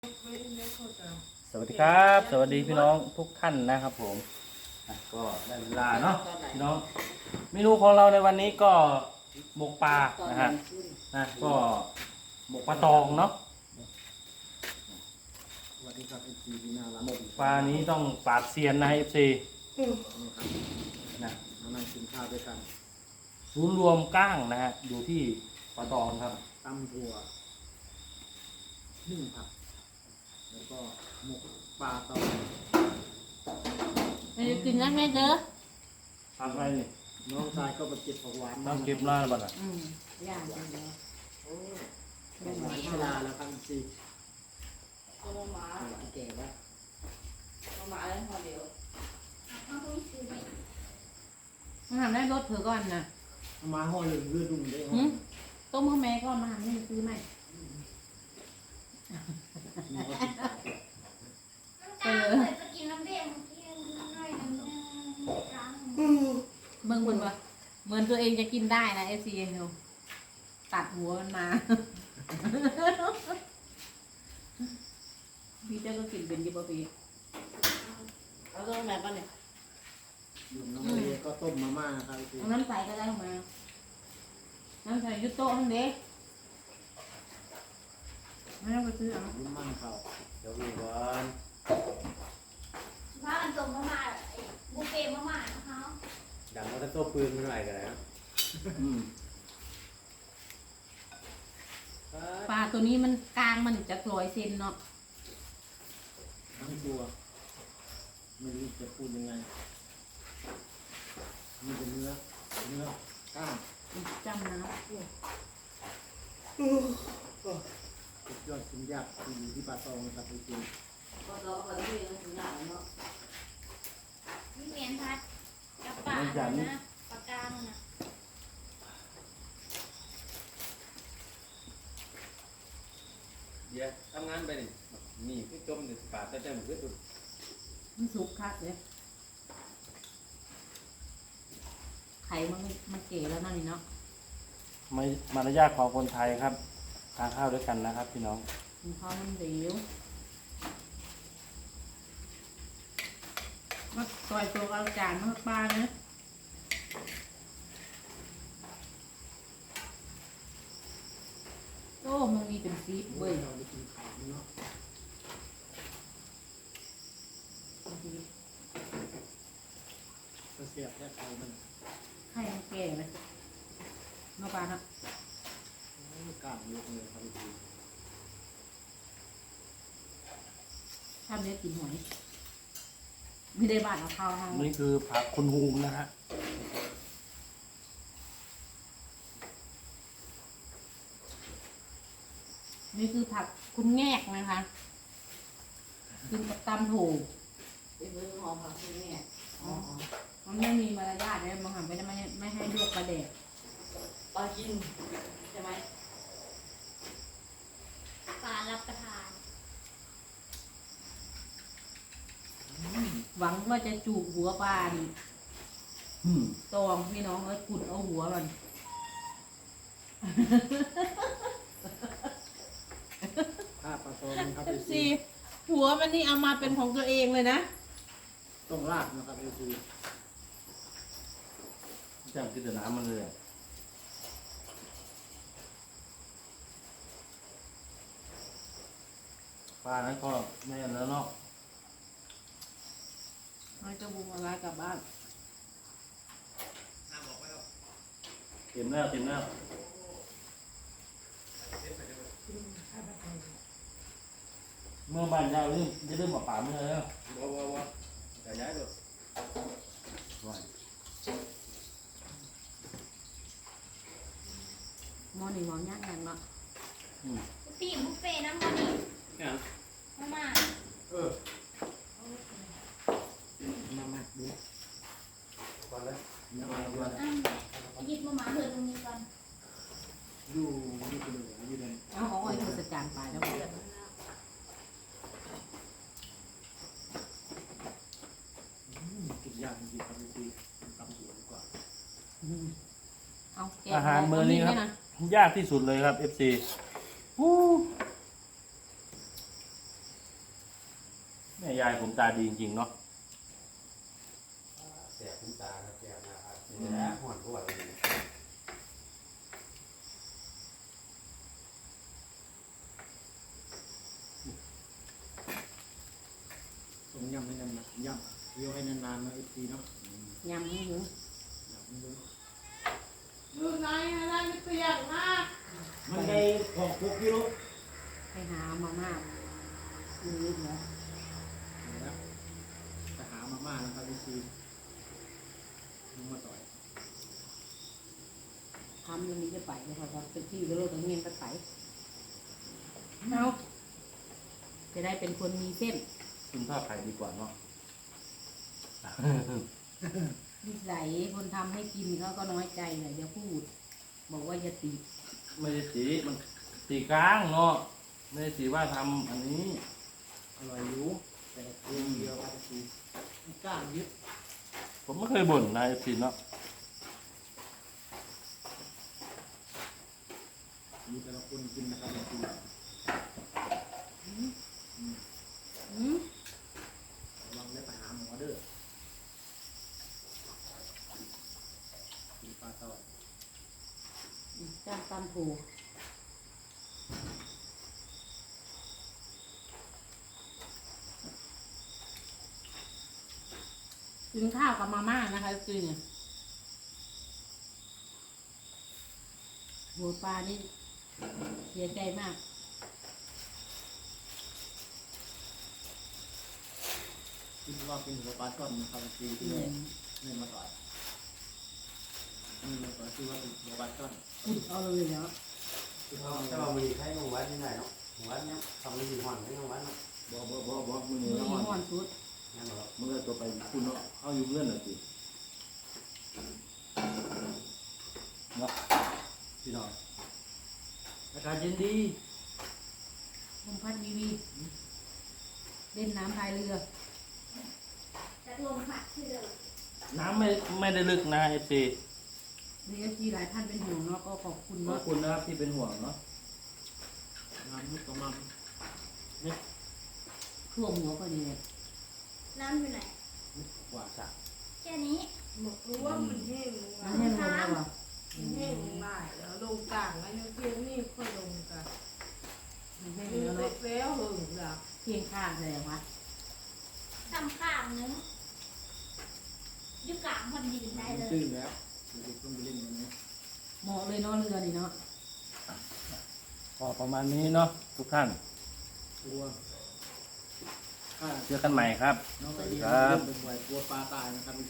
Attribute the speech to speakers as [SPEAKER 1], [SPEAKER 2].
[SPEAKER 1] สวัสดีครับสวัสดีพี่น้องทุกท่านนะครับผมก็ได้เวลาเนาะพี่น้องเมนูของเราในวันนี้ก็หมกปลานะฮะก็หมกปลาตองเนาะ
[SPEAKER 2] สวัสดีครับเอฟซีที่น่ารัก
[SPEAKER 1] ปลานี้ต้องปราดเซียนนะเอฟซีนะ
[SPEAKER 2] มานั่งกินข้าวด้วยกัน
[SPEAKER 1] ศูนย์รวมก้างนะฮะอยู่ที่ปลาตองครับ
[SPEAKER 2] ตำถั่วนึ่งผักแล้วก็หมกปลาตอง
[SPEAKER 3] ไปกินแล้วแม่เด้อ
[SPEAKER 1] ทำอะไรนี่
[SPEAKER 2] น้องชายก็ไปเก็บผักหวาน
[SPEAKER 1] ต้องเก็บหน้าบ้างอ่ะ
[SPEAKER 3] ย่างกันแล้ว
[SPEAKER 2] ผักหวานเวลาแล้วครับเอฟซี
[SPEAKER 3] เอาหมา
[SPEAKER 2] แก่แล้ว
[SPEAKER 3] เอาหมาเลยพอเดี๋ยวมันทำได้รถเผื่อก่อนนะ
[SPEAKER 2] เอามาห่อเหลืองเลือดดุ่มได้ห่อ
[SPEAKER 3] ต้มข้าวแม่ก่อนมาทำให้ซื้อใหม่
[SPEAKER 2] มีก็ติดตาม
[SPEAKER 4] จะกินน้ำเบี้ยมันกินหน่อยนึงจัง
[SPEAKER 3] เบิ่งคนว่าเหมือนตัวเองจะกินได้นะเอฟซีเนาะตัดหัวมันมาพี่เจ้าก็กินเป็นยี่ปะพี่เอาต้มแบบก่อนเนี่ย
[SPEAKER 2] อยู่น้องเลก็ต้มมาม่าครับเอฟซี
[SPEAKER 3] เอาน้ำใสก็ได้มาน้ำใสยุโต้ทั้งเด็กไม่ต้องไปซื้อเอา
[SPEAKER 2] ยิ้มมั่นเขา
[SPEAKER 1] เดี๋ยววีก่อน
[SPEAKER 4] ถ้ามันส่งมาไอ้บุฟเฟ่มาม่านะคะ
[SPEAKER 5] ดังว่าถ้าโต้ปืนมันหน่อยกันนะ
[SPEAKER 3] ปลาตัวนี้มันกลางมันจะ100 เซนเนาะ
[SPEAKER 2] ทั้งตัวไม่รู้จะพูดยังไงมีแต่เนื้อกล้าง
[SPEAKER 3] จำนะ
[SPEAKER 2] สุดยอดชิ้นยากที่อยู่ที่ปลาตองนะครับเอฟซี
[SPEAKER 3] ก็เราก็ได้ยินถึงหนังเนาะ
[SPEAKER 4] มีเมียนพัดกับปลานะปลากางนะ
[SPEAKER 5] เดี๋ยวทำงานไปนี่นี่คือจมในปากแต่ใจมันคือตุ่น
[SPEAKER 3] มันสุกคักเลยไข่มันเก๋แล้วนั่นนี่เนาะ
[SPEAKER 1] ไม่มารยาทของคนไทยครับทานข้าวด้วยกันนะครับพี่น้อง
[SPEAKER 3] มันพอมันเหลวมาต่อยตัวเอาจานมาปลานะโอ้มันมีเป็นซีฟเว้ย
[SPEAKER 2] เราไปกินข้าวเนาะก็เสียบแค่ไข่มัน
[SPEAKER 3] ไข่มันแก่เลยมาปลาเนาะ
[SPEAKER 2] กล้างเยอะเลยครับพี่
[SPEAKER 3] ทำเนี้ยกินหอยไม่ได้บาดเอาข้าวทาง
[SPEAKER 1] นี่คือผักคุณฮูมนะฮะ
[SPEAKER 3] นี่คือผักคุณแงกนะคะกินกับตำถูกเป็นเรื่องของผักคุณแงกมันไม่มีมารยาทเลยมันหันไม่ให้ลวกปลาแดกปลากินใช่ไหม
[SPEAKER 4] ปลารับประทาน
[SPEAKER 3] หวังว่าจะจูบหัวปลานี่
[SPEAKER 1] อืม
[SPEAKER 3] ตองพี่น้องกุดเอาหัวมัน
[SPEAKER 2] ถ้าปลาตองครับพี่
[SPEAKER 3] สิหัวมันนี่เอามาเป็นของตัวเองเลยนะ
[SPEAKER 2] ต้องลากนะครับพี่
[SPEAKER 1] จำกินแต่น้ำมันเลยอะปลานั้นก็ไม่อันแล้วเนาะ
[SPEAKER 3] เราจะบุกอะไรกลับบ้าน
[SPEAKER 1] เต็มแล้วเต็มแล้วเมื่อบ้านเราจะเริ่มมาป่าเมื่อแล้ว
[SPEAKER 5] ว้แต่ย้ายเลย
[SPEAKER 3] หมอนี่หมอย่างอย่างเนาะ
[SPEAKER 4] ปีบุฟเฟ่น้ำมันนี่
[SPEAKER 5] เนี่ย
[SPEAKER 4] มาม่า
[SPEAKER 2] มาดู
[SPEAKER 5] ก่อนเลย
[SPEAKER 2] เนื้อปลาด้วย
[SPEAKER 4] หยิบมาม่าเถอะตรงนี้ก่อน
[SPEAKER 2] อยู่ที่เป็นเหลืองอยู่ใน
[SPEAKER 3] เอาของไอ้คนจัดการไปแล้วบอก
[SPEAKER 2] กินยากจริงๆครับพี่ตำหัวดีกว่า
[SPEAKER 3] เอาแกะ
[SPEAKER 1] อาหารมื้อนี้ครับ ยากที่สุดเลยครับ FC อู้แม่ยายผมตาดีจริงๆเนาะ
[SPEAKER 5] แสบคุ้มตาครับแสบนะครับนี่แหละห่อนกว่าเลย
[SPEAKER 2] ต้มยำให้นานๆยำเคี่ยวให้นานๆนะอีกทีเนาะ
[SPEAKER 3] ยำนี่หนู
[SPEAKER 2] ยำมัน
[SPEAKER 3] ดูไหนอะไรไม่เปียกมาก
[SPEAKER 2] มันได้ของพวกกิโล
[SPEAKER 3] ไปหามาม่านี่เหรอ
[SPEAKER 2] แล้วไปหามาม่านะครับอีกทีลุงมาต่อย
[SPEAKER 3] ทำยังมีจะไปเลยค่ะครับเป็นที่ก็โลดตรงนี้ก็ไปเอาจะได้เป็นคนมีเส้น
[SPEAKER 1] กินข้าวไข่ดีกว่าเนาะ
[SPEAKER 3] นิสัยคนทำให้กินเขาก็น้อยใจเลยอย่าพูด บอกว่าอย่าติ
[SPEAKER 1] ไม่ได้สีมันสีกลางเนาะไม่ได้สีว่าทำอันนี้
[SPEAKER 2] อร่อยอยู่แต่เพียงเดียวอีกทีก้างยึด
[SPEAKER 1] ผมไม่เคยบ่นนายสิเนาะ
[SPEAKER 2] มีแต่ละคนกินนะครับอีกที
[SPEAKER 3] อืม
[SPEAKER 2] ระวังได้ไปหาหมอเด้อกินปลาตอย
[SPEAKER 3] จ้างตามผูกินข้าวกับมาม่านะคะจริงหัวปลานี่เสียใจมาก
[SPEAKER 2] คิดว่าเป็นหัวปลาช่อนนะครับอีกทีที่แรกนี่มาต่อยนี่มาต่อยชื่อว่าเป็นหัวปลาช่อน
[SPEAKER 3] พูดเอาเลยเนาะ
[SPEAKER 5] ถ้าเรามีใครของวัดที่ไหนเนาะของวัดเนี่ยทำไม่ดีห่อนไม่ของวัดเนาะ
[SPEAKER 1] บ่มึง
[SPEAKER 3] มื
[SPEAKER 1] เนี่
[SPEAKER 3] อย ห่อนสุด
[SPEAKER 5] งั้นเหรอ
[SPEAKER 1] มึงก็ตัวไปคุณเนาะเอาอยู่เงื่อนหน่อยสิเนาะพี่น้องอากาศเย็นดี
[SPEAKER 3] ลมพัดวีเล่นน้ำพายเรือ
[SPEAKER 4] จะลงผัดที่เดิม
[SPEAKER 1] น้ำไม่ได้ลึกนะเอฟซี
[SPEAKER 3] มีเอฟซีหลายท่านเป็นห่วงเนาะก็ขอบคุณ
[SPEAKER 1] ขอบ
[SPEAKER 3] เนาะ
[SPEAKER 1] คุณนะครับที่เป็นห่วงเนาะ
[SPEAKER 2] น้ำมุกประมาณ
[SPEAKER 3] ท่วมหัวพอดีเลย
[SPEAKER 4] น้ำอยู่ไหน
[SPEAKER 2] กว่าสัก
[SPEAKER 4] แค่นี้
[SPEAKER 6] บอกรู้ว่ามันแห้งลง
[SPEAKER 3] น้ำแห้งลงแล้วเหรอ
[SPEAKER 6] มันแห้งลงได้แล้วลงกลางแล้วยังเพียงนี่ค่อยลงกัน
[SPEAKER 3] น้ำแห้ง
[SPEAKER 6] มี
[SPEAKER 3] แล้ว
[SPEAKER 6] เสร็
[SPEAKER 3] เนาะ
[SPEAKER 6] จแล้วหึงละ
[SPEAKER 3] เพียงข้างเลยเหรอวะ
[SPEAKER 4] ทำข้างนึงอยู่กลางพอดีได้เลย
[SPEAKER 2] ตื้นแล้วเด็กๆต้องไปเล่นกันนะ
[SPEAKER 3] เหมาะเลยเนาะเรือนี่เนาะ
[SPEAKER 1] ก็ประมาณนี้เนาะทุกท่าน
[SPEAKER 2] ตัวถ้า
[SPEAKER 1] เจอกันใหม่ครับ
[SPEAKER 2] น้องกระเทียม
[SPEAKER 1] ครับ
[SPEAKER 2] เริ่มเป็นไหวกลัวปลาตายนะครับ